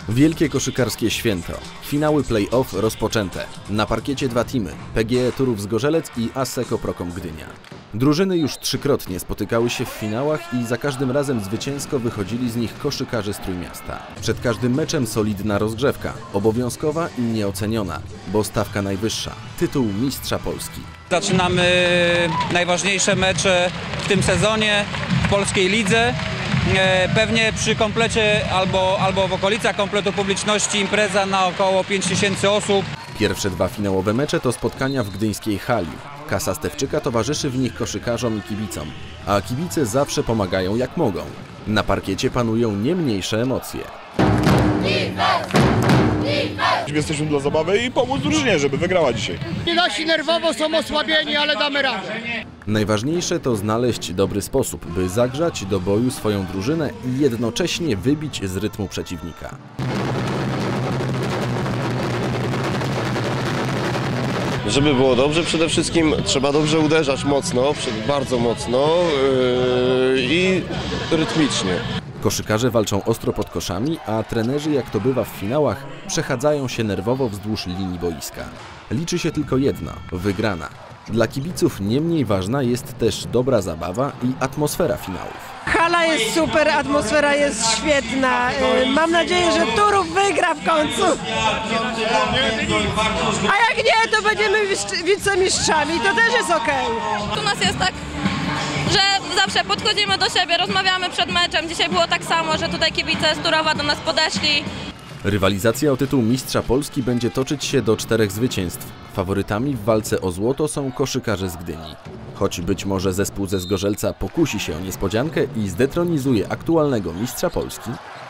Wielkie koszykarskie święto. Finały play-off rozpoczęte. Na parkiecie dwa teamy. PGE Turów Zgorzelec i Asseco Prokom Gdynia. Drużyny już trzykrotnie spotykały się w finałach i za każdym razem zwycięsko wychodzili z nich koszykarze z Trójmiasta. Przed każdym meczem solidna rozgrzewka. Obowiązkowa i nieoceniona, bo stawka najwyższa. Tytuł Mistrza Polski. Zaczynamy najważniejsze mecze w tym sezonie w polskiej lidze. Pewnie przy komplecie albo w okolicach kompletu publiczności impreza na około 5000 osób. Pierwsze dwa finałowe mecze to spotkania w gdyńskiej hali. Kasa Stewczyka towarzyszy w nich koszykarzom i kibicom, a kibice zawsze pomagają jak mogą. Na parkiecie panują nie mniejsze emocje. Jesteśmy dla zabawy i pomóc drużynie, żeby wygrała dzisiaj. Nasi nerwowo są osłabieni, ale damy radę. Najważniejsze to znaleźć dobry sposób, by zagrzać do boju swoją drużynę i jednocześnie wybić z rytmu przeciwnika. Żeby było dobrze, przede wszystkim trzeba dobrze uderzać mocno, bardzo mocno i rytmicznie. Koszykarze walczą ostro pod koszami, a trenerzy, jak to bywa w finałach, przechadzają się nerwowo wzdłuż linii boiska. Liczy się tylko jedno – wygrana. Dla kibiców nie mniej ważna jest też dobra zabawa i atmosfera finałów. Hala jest super, atmosfera jest świetna. Mam nadzieję, że Turów wygra w końcu. A jak nie, to będziemy wicemistrzami, to też jest okej. U nas jest tak, że zawsze podchodzimy do siebie, rozmawiamy przed meczem. Dzisiaj było tak samo, że tutaj kibice z Turowa do nas podeszli. Rywalizacja o tytuł Mistrza Polski będzie toczyć się do 4 zwycięstw. Faworytami w walce o złoto są koszykarze z Gdyni. Choć być może zespół ze Zgorzelca pokusi się o niespodziankę i zdetronizuje aktualnego Mistrza Polski,